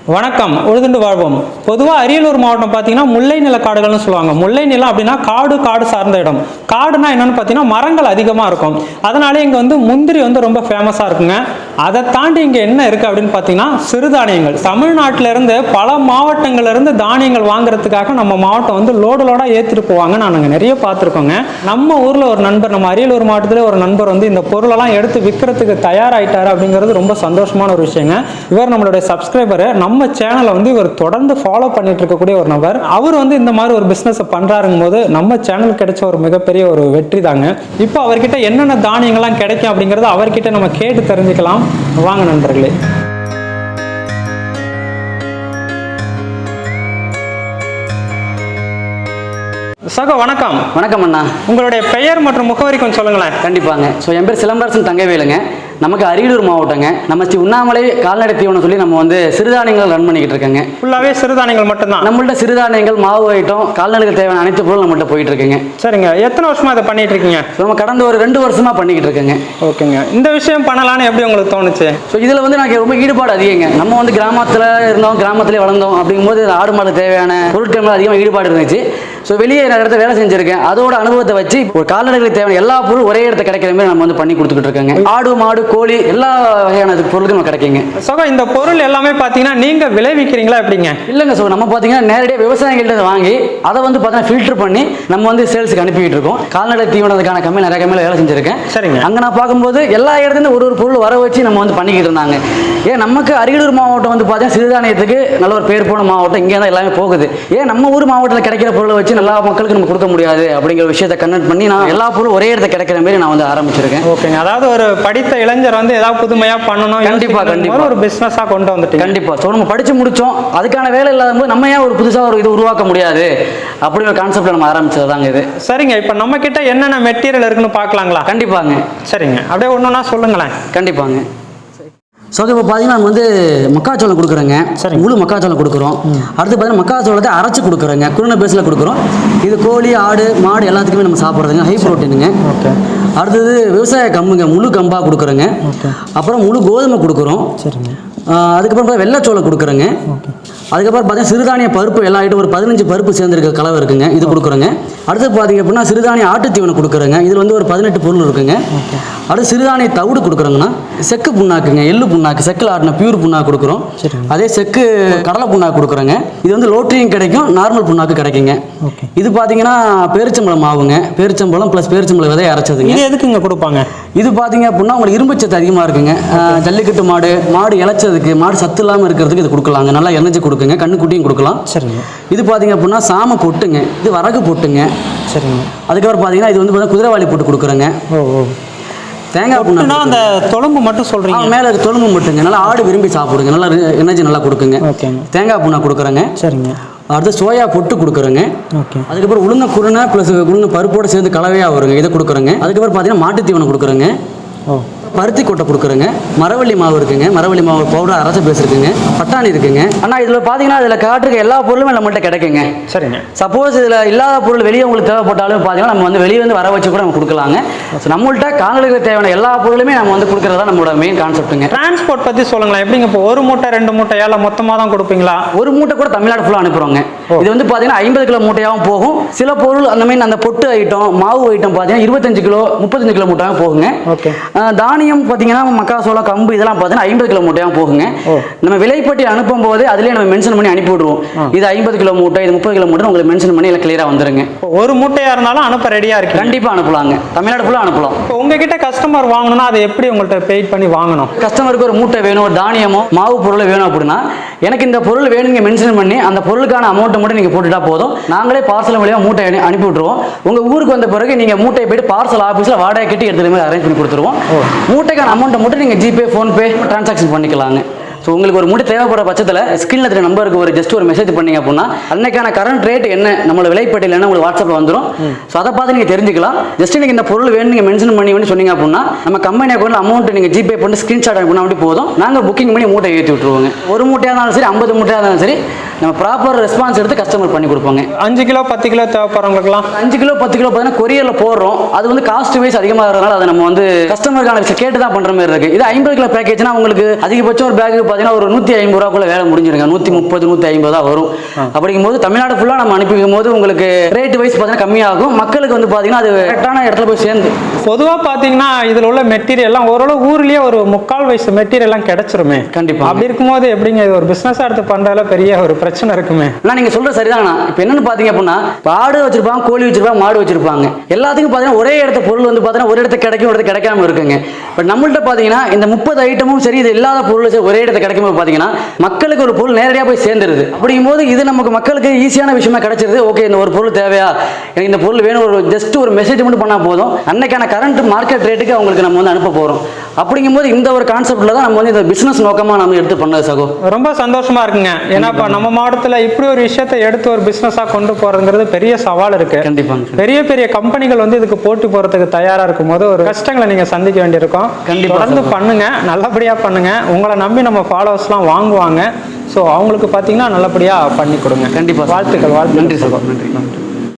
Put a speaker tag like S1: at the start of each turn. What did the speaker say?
S1: வணக்கம். உழுதுண்டு வாழ்வோம். பொதுவாக அரியலூர் மாவட்டம் பார்த்தீங்கன்னா முல்லை நில காடுகள்னு சொல்லுவாங்க. முல்லை நிலம் அப்படின்னா காடு சார்ந்த இடம். காடுனா என்னன்னு பார்த்தீங்கன்னா மரங்கள் அதிகமாக இருக்கும். அதனாலே இங்கே முந்திரி ரொம்ப ஃபேமஸாக இருக்குங்க. அதை தாண்டி இங்கே என்ன இருக்குது அப்படின்னு பார்த்தீங்கன்னா சிறுதானியங்கள். தமிழ்நாட்டிலேருந்து பல மாவட்டங்கள்லேருந்து தானியங்கள் வாங்குறதுக்காக நம்ம மாவட்டம் லோடாக ஏற்றிட்டு போவாங்க. நாங்கள் நிறைய பார்த்துருக்கோங்க. நம்ம ஊரில் ஒரு நண்பர், நம்ம அரியலூர் மாவட்டத்தில் ஒரு நண்பர் இந்த பொருளெல்லாம் எடுத்து விற்கிறதுக்கு தயாராகிட்டார் அப்படிங்கிறது ரொம்ப சந்தோஷமான ஒரு விஷயங்க. இவர் நம்மளுடைய சப்ஸ்கிரைபர். நம்ம சேனலை இவர் தொடர்ந்து ஃபாலோ பண்ணிட்டு இருக்கக்கூடிய ஒரு நபர். அவர் இந்த மாதிரி ஒரு பிசினஸ் பண்றாருங்கும் போது நம்ம சேனல் கிடைச்ச ஒரு மிகப்பெரிய ஒரு வெற்றி தாங்க. இப்போ அவர்கிட்ட என்னென்ன தானியங்கள்லாம் கிடைக்கும் அப்படிங்கறத அவர்கிட்ட நம்ம கேட்டு தெரிஞ்சுக்கலாம். வாங்க நண்பர்களே. சகோ வணக்கம்.
S2: வணக்கம் அண்ணா.
S1: உங்களுடைய பெயர் மற்றும் முகவரி கொஞ்சம் சொல்லுங்களேன்.
S2: கண்டிப்பாங்க. ஸோ என் பேர் சிலம்பரசன் தங்கவேலுங்க. நமக்கு அரியலூர் மாவட்டங்க. நம்ம ஸ்ரீ உண்ணாமலை கால்நடை தீவனம் சொல்லி நம்ம சிறுதானியங்கள் ரன் பண்ணிக்கிட்டு இருக்கேங்க.
S1: ஃபுல்லாகவே சிறுதானியங்கள் மட்டும்தான்
S2: நம்மள்ட்ட சிறுதானியங்கள், மாவு ஐட்டம், கால்நடைகள் தேவையான அனைத்து பொருளும் நம்மள்ட்ட போயிட்டு இருக்குங்க.
S1: சரிங்க. எத்தனை வருஷமா இதை பண்ணிட்டு இருக்கீங்க?
S2: நம்ம கடந்த ஒரு 2 வருஷமா பண்ணிக்கிட்டு இருக்கேங்க.
S1: ஓகேங்க. இந்த விஷயம் பண்ணலான்னு எப்படி உங்களுக்கு தோணுச்சு?
S2: ஸோ இதில் எனக்கு ரொம்ப ஈடுபாடு அதிகங்க. நம்ம கிராமத்தில் இருந்தோம், கிராமத்திலே வளர்ந்தோம். அப்படிங்கும்போது ஆடு மாடு தேவையான பொருட்கள் அதிகமாக ஈடுபாடு இருந்துச்சு. ஸோ வெளியே நிறைய இடத்துல வேலை செஞ்சிருக்கேன். அதோட அனுபவத்தை வச்சு ஒரு கால்நடைகளுக்கு தேவையான எல்லா பொருளும் ஒரே இடத்துல கிடைக்கிற மாதிரி நம்ம பண்ணி கொடுத்துக்கிட்டு இருக்கோங்க. ஆடு, மாடு, கோழி எல்லா வகையான பொருளுக்கும் நம்ம கிடைக்குங்க.
S1: ஸோ இந்த பொருள் எல்லாமே பார்த்தீங்கன்னா நீங்கள் விளைவிக்கிறீங்களா எப்படிங்க?
S2: இல்லைங்க. ஸோ நம்ம பார்த்தீங்கன்னா நேரடியாக விவசாயிகள்கிட்ட வாங்கி அதை பார்த்தீங்கன்னா ஃபில்டர் பண்ணி நம்ம சேல்ஸுக்கு அனுப்பிக்கிட்டு இருக்கோம். கால்நடை தீவனத்துக்கான கம்மியில் நிறைய கம்மியில் வேலை செஞ்சிருக்கேன்.
S1: சரிங்க.
S2: அங்கே நான் பார்க்கும்போது எல்லா இடத்துலேருந்து ஒரு பொருள் வர வச்சு நம்ம பண்ணிக்கிட்டு இருந்தாங்க. ஏன் நமக்கு அரியலூர் மாவட்டம் பார்த்தீங்கன்னா சிறுதானியத்துக்கு நல்ல ஒரு பேர் போன மாவட்டம். இங்கே தான் எல்லாமே போகுது. ஏன் நம்ம ஊர் மாவட்டத்தில் கிடைக்கிற பொருளை வச்சு எல்லா மக்களுக்கு நம்ம கொடுக்க முடியாது அப்படிங்கிற விஷயத்தை கன்வெர்ட் பண்ணி நான் எல்லா பொருளும் ஒரே இடத்துல கிடைக்கிற மாதிரி நான் ஆரம்பிச்சிருக்கேன்.
S1: ஓகேங்க. அதாவது ஒரு படித்த இளைஞர் ஏதாவது புதுமையா பண்ணணும், கண்டிப்பா ஒரு பிசினஸா கொண்டு வந்துட்டு
S2: கண்டிப்பா. ஸோ நம்ம படிச்சு முடிச்சோம், அதுக்கான வேலை இல்லாத போது நம்ம ஏன் ஒரு புதுசாக ஒரு இது உருவாக்க முடியாது அப்படிங்கிற கான்செப்ட்ல நம்ம ஆரம்பிச்சதாங்க இது.
S1: சரிங்க. இப்போ நம்ம கிட்ட என்னென்ன மெட்டீரியல் இருக்குன்னு பார்க்கலாங்களா?
S2: கண்டிப்பாங்க.
S1: சரிங்க. அப்படியே ஒண்ணுன்னா சொல்லுங்களேன்.
S2: கண்டிப்பாங்க. ஸோ இப்போ பார்த்தீங்கன்னா நம்ம மக்காச்சோளம் கொடுக்குறோங்க. சரி, முழு மக்காச்சோளம் கொடுக்குறோம். அடுத்து பார்த்தீங்கன்னா மக்காச்சோளத்தை அரைச்சி கொடுக்குறோங்க. குருணை பேஸில் கொடுக்குறோம். இது கோழி, ஆடு, மாடு எல்லாத்துக்குமே நம்ம சாப்பிட்றதுங்க. ஹை ப்ரோட்டீனுங்க. ஓகே. அடுத்தது விவசாய கம்புங்க, முழு கம்பாக கொடுக்குறோங்க. அப்புறம் முழு கோதுமை கொடுக்குறோம். சரிங்க. அதுக்கப்புறம் வெள்ளைச்சோளம் கொடுக்குறோங்க. அதுக்கப்புறம் பார்த்தீங்கன்னா சிறுதானிய பருப்பு எல்லா ஐட்டம் ஒரு 15 பருப்பு சேர்ந்துருக்க கலவை இருக்குங்க. இது கொடுக்குறோங்க. அடுத்து பார்த்தீங்க அப்படின்னா சிறுதானிய ஆட்டு தீவனம் கொடுக்குறோங்க. இதில் ஒரு 18 பொருள் இருக்குங்க. அடுத்து சிறுதானிய தவிடு கொடுக்குறோங்கன்னா செக்கு புண்ணாக்குங்க, எள்ளு புண்ணாக்கு, செக்கில் ஆட்டின பியூர் புண்ணாக்கு கொடுக்குறோம். அதே செக்கு கடலை புண்ணாக்கு கொடுக்குறோங்க. இது லோட்ரியும் கிடைக்கும், நார்மல் புண்ணாக்கு கிடைக்குங்க. இது பார்த்தீங்கன்னா பேரிச்சம்பழம் மாவுங்க. பேரிச்சம்பழம் ப்ளஸ் பேரிச்சம்பழம் விதையை அரைச்சதுங்க.
S1: இது எதுக்குங்க கொடுப்பாங்க?
S2: இது பார்த்தீங்க அப்படின்னா உங்களுக்கு இரும்பு சத்து அதிகமாக இருக்குங்க. ஜல்லிக்கட்டு மாடு இளைச்சதுக்கு, மாடு சத்து இல்லாமல் இருக்கிறதுக்கு இது கொடுக்கலாங்க. நல்லா எனர்ஜி கொடுக்குங்க. கண்ணுக்குட்டியும் கொடுக்கலாம். சரிங்க. இது பார்த்தீங்க அப்படின்னா சாம பொட்டுங்க. இது வரகு பொட்டுங்க. சரிங்க. அதுக்கப்புறம் பார்த்தீங்கன்னா இது பார்த்தீங்கன்னா குதிரைவாளி போட்டு கொடுக்குறேங்க. தேங்காய் புண்ணா
S1: அந்த தொழும்பு மட்டும் சொல்றீங்க?
S2: மேலே தொழும்பு மட்டுங்க. நல்லா ஆடு விரும்பி சாப்பிடுங்க. நல்லா எனர்ஜி நல்லா கொடுக்குங்க. தேங்காய் புண்ணா கொடுக்குறேங்க. சரிங்க. அடுத்து சோயா பொட்டு கொடுக்குறோங்க. ஓகே. அதுக்கப்புறம் உளுந்த குருணை ப்ளஸ் உளுந்த பருப்போடு சேர்ந்து கலவையாக வருங்க. இதை கொடுக்குறோங்க. அதுக்கப்புறம் பார்த்தீங்கன்னா மாட்டு தீவனம் கொடுக்குறோங்க. பருத்தி கொட்டை கொடுக்குறேங்க. மரவள்ளி மாவு இருக்குங்க. மரவள்ளி மாவு பவுடர் அரைச்ச பேஸ் இருக்குங்க. பட்டாணி இருக்குங்க. ஆனால் இதில் பார்த்தீங்கன்னா இதில் காட்டுறதுக்கு எல்லா பொருளுமே நம்மள்ட்ட கிடைக்குங்க. சரிங்க. சப்போஸ் இதில் இல்லாத பொருள் வெளியே உங்களுக்கு தேவைப்பட்டாலும் பார்த்தீங்கன்னா நம்ம வெளியே வர வச்சு கூட நம்ம கொடுக்கலாங்க. ஸோ நம்மள்ட்ட கால்நடைகளுக்கு தேவையான எல்லா பொருளுமே நம்ம கொடுக்குறதா நம்மளோட மெயின் கான்செப்ட்டுங்க.
S1: டிரான்ஸ்போர்ட் பற்றி சொல்லுங்களேன். எப்படிங்க? இப்போ ஒரு மூட்டை 2 மூட்டை ஏழை மொத்தமாக தான் கொடுப்பீங்களா?
S2: ஒரு மூட்டை கூட தமிழ்நாடு ஃபுல்லாக அனுப்புகிறோங்க. இது பார்த்தீங்கன்னா 50 கிலோ மூட்டையாகவும் போகும். சில பொருள் அந்த மாதிரி அந்த பொட்டு ஐட்டம், மாவு ஐட்டம் பார்த்தீங்கன்னா 25 கிலோ 35 கிலோ மூட்டையாகவும் போகுங்க. ஓகே. தானியம் பார்த்தீங்கன்னா மக்காசோளம், கம்பு இதெல்லாம் பார்த்தீங்கன்னா 50 கிலோ மூட்டையாகவும் போகுங்க. நம்ம விலைப்பட்டி அனுப்பும் போது அதுலேயே நம்ம மென்ஷன் பண்ணி அனுப்பி விடுவோம். இது 50 கிலோ மூட்டை, இது 30 கிலோ மூட்டை உங்களுக்கு மென்ஷன் பண்ணி எல்லாம் கிளியராக வந்துருங்க.
S1: ஒரு மூட்டையாக இருந்தாலும் அனுப்ப ரெடியாக இருக்கு.
S2: கண்டிப்பாக அனுப்பலாங்க. தமிழ்நாடு ஃபுல்லாக அனுப்பலாம்.
S1: இப்போ உங்ககிட்ட கஸ்டமர் வாங்கணும்னா அதை எப்படி உங்கள்கிட்ட பெய்ட் பண்ணி வாங்கணும்?
S2: கஸ்டமருக்கு ஒரு மூட்டை வேணும், ஒரு தானியமோ மாவு பொருள் வேணும் அப்படின்னா எனக்கு இந்த பொருள் வேணுங்க மென்ஷன் பண்ணி அந்த பொருளுக்கான அமௌண்ட்டை மட்டும் நீங்கள் போட்டுட்டா போதும். நாங்களே பார்சல் வழியாக மூட்டை அனுப்பி விட்டுருவோம். உங்கள் ஊருக்கு வந்த பிறகு நீங்கள் மூட்டையை போயிட்டு பார்சல் ஆஃபீஸில் வாடகை கட்டி எடுத்துகிற மாதிரி அரேஞ்ச் பண்ணி கொடுத்துருவோம். மூட்டைக்கான அமௌண்ட்டை மட்டும் நீங்கள் ஜிபே, ஃபோன்பே டிரான்சாக்ஷன் பண்ணிக்கலாங்க. ஸோ உங்களுக்கு ஒரு மூட்டை தேவைப்படுற பட்சத்தில் ஸ்கிரீனில் இருக்கிற நம்பருக்கு ஒரு ஜஸ்ட் ஒரு மெசேஜ் பண்ணீங்க அப்படின்னா அன்னைக்கான கரண்ட் ரேட் என்ன, நம்மளோட விலைப்பட்டியல் என்ன உங்களுக்கு வாட்ஸ்அப்பில் வந்துடும். ஸோ அதை பார்த்து நீங்கள் தெரிஞ்சுக்கலாம். ஜஸ்ட் நீங்கள் இந்த பொருள் வேணும் நீங்கள் மென்ஷன் பண்ணி சொன்னீங்க அப்படின்னா நம்ம கம்பெனி அக்கௌண்ட்டில் அமௌண்ட் நீங்கள் ஜிபே பண்ணி ஸ்க்ரீன்ஷாட் அனுப்பினா அப்படி போதும். நாங்கள் புக்கிங் பண்ணி மூட்டை ஏற்றி விட்டுருவோங்க. ஒரு மூட்டையாக இருந்தாலும் சரி, 50 மூட்டையாக இருந்தாலும் சரி, நம்ம ப்ராப்பர் ரெஸ்பான்ஸ் எடுத்து கஸ்டமர் பண்ணி கொடுப்போங்க.
S1: 5 கிலோ 10 கிலோ தேவைப்படுறவங்களுக்குலாம்
S2: 5 கிலோ 10 கிலோ பார்த்தீங்கன்னா கொரியரில் போடுறோம். அது வந்து காஸ்ட் வைஸ் அதிகமாக இருக்கிறதுனால அதை நம்ம வந்து கஸ்டமருக்கான விஷயம் கேட்டு தான் பண்ணுற மாதிரி இருக்குது. இது 50 கிலோ பேக்கேஜ்னா உங்களுக்கு அதிகபட்சம் ஒரு பேக்கு பார்த்தீங்கன்னா ஒரு 150 ரூபாக்குள்ள வேலை முடிஞ்சிருங்க. 130 150 தான் வரும். அப்படிங்கும்போது தமிழ்நாடு ஃபுல்லாக நம்ம அனுப்பிக்கும் போது உங்களுக்கு ரேட் வைஸ் பார்த்தீங்கன்னா கம்மியாகும். மக்களுக்கு வந்து பார்த்தீங்கன்னா அது கரெக்டான இடத்துல போய் சேர்ந்து.
S1: பொதுவாக பார்த்தீங்கன்னா இதில் உள்ள மெட்டீரியல்லாம் ஓரளவு ஊர்லேயே ஒரு 3/4 வயசு மெட்டீரியல்லாம் கிடைச்சிருமே.
S2: கண்டிப்பாக.
S1: அப்படி இருக்கும்போது எப்படிங்க இது ஒரு பிஸ்னஸாக எடுத்து பண்ணுறதுல பெரிய ஒரு பிரச்சனை இருக்குமே.
S2: ஆனால் நீங்கள் சொல்கிற சரிதானா? இப்போ என்னன்னு பார்த்தீங்க அப்படின்னா ஆடு வச்சிருப்பாங்க, கோழி வச்சிருப்பாங்க, மாடு வச்சிருப்பாங்க. எல்லாத்துக்கும் பார்த்தீங்கன்னா ஒரே இடத்த பொருள் வந்து பார்த்தீங்கன்னா ஒரு இடத்துக்கு கிடைக்கும், ஒரு இடத்துக்கு கிடைக்காம இருக்குங்க. பட் நம்மள்ட்ட பார்த்தீங்கன்னா இந்த 30 ஐட்டமும் சரி, இது இல்லாத பொருள் சரி ஒரே இடத்துல கிடைக்கும் போது பார்த்தீங்கன்னா மக்களுக்கு ஒரு பொருள் நேரடியாக போய் சேர்ந்துருது. அப்படிங்கும்போது இது நமக்கு மக்களுக்கு ஈஸியான விஷயமா கிடைச்சிருது. ஓகே, இந்த ஒரு பொருள் தேவையா, எனக்கு இந்த பொருள் வேணும், ஒரு ஜஸ்ட் ஒரு மெசேஜ் மட்டும் பண்ணால் போதும், அன்னைக்கான கரண்ட் மார்க்கெட் ரேட்டுக்கு அவங்களுக்கு நம்ம வந்து அனுப்ப போகிறோம். அப்படிங்கும்போது இந்த ஒரு கான்செப்ட்ல தான் நம்ம வந்து இந்த பிசினஸ் நோக்கமாக நம்ம எடுத்து பண்ணது சகோ.
S1: ரொம்ப சந்தோஷமா இருக்குங்க. ஏன்னா இப்போ நம்ம மாவட்டத்தில் இப்படி ஒரு விஷயத்தை எடுத்து ஒரு பிஸ்னஸாக கொண்டு போறதுங்கிறது பெரிய சவால் இருக்கு.
S2: கண்டிப்பாக.
S1: பெரிய பெரிய கம்பெனிகள் வந்து இதுக்கு போட்டி போறதுக்கு தயாரா இருக்கும் போது ஒரு கஷ்டங்களை நீங்க சந்திக்க வேண்டியிருக்கும். தொடர்ந்து பண்ணுங்க, நல்லபடியா பண்ணுங்க. உங்களை நம்பி நம்ம ஃபாலோவர்ஸ்லாம் வாங்குவாங்க. ஸோ அவங்களுக்கு பார்த்தீங்கன்னா நல்லபடியா பண்ணி கொடுங்க.
S2: கண்டிப்பாக.
S1: வாழ்த்துக்கள்.
S2: நன்றி சகோ. நன்றி.